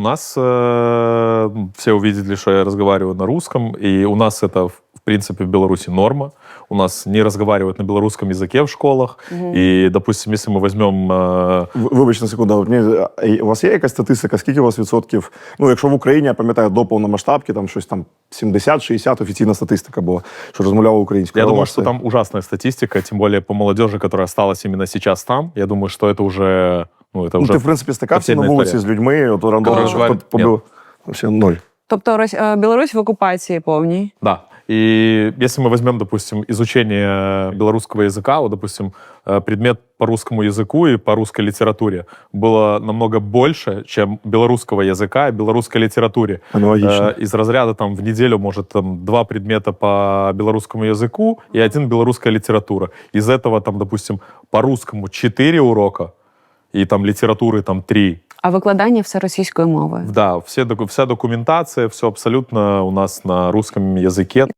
у нас все увидели, что я разговариваю на русском, и у нас это, в принципе, в Беларуси норма. У нас не разговаривают на белорусском языке в школах. И, допустим, если мы возьмем... Вибачте на секунду, у вас є якась статистика, скільки у вас відсотків, ну, якщо в Україні, я пам'ятаю, до повномасштабки, там щось там 70-60 офіційна статистика була, що розмовляла українською. Я думаю, что там ужасная статистика, тем более по молодежи, которая осталась именно сейчас там. Я думаю, что это уже... Ну, это уже ти, в принципі, стикався на вулиці з людьми, от рандомно, що побив... Вообще ноль. Тобто Білорусь в окупації повній? Да. И если мы возьмем, допустим, изучение белорусского языка, вот, допустим, предмет по русскому языку и по русской литературе было намного больше, чем белорусского языка и белорусской литературе. Аналогично. Из разряда там в неделю, может, там 2 предмета по белорусскому языку и 1 белорусская литература. Из этого, там, допустим, по русскому 4 урока и там литературы там 3. А викладання все російською мовою? Да, вся документация, все абсолютно у нас на русском языке.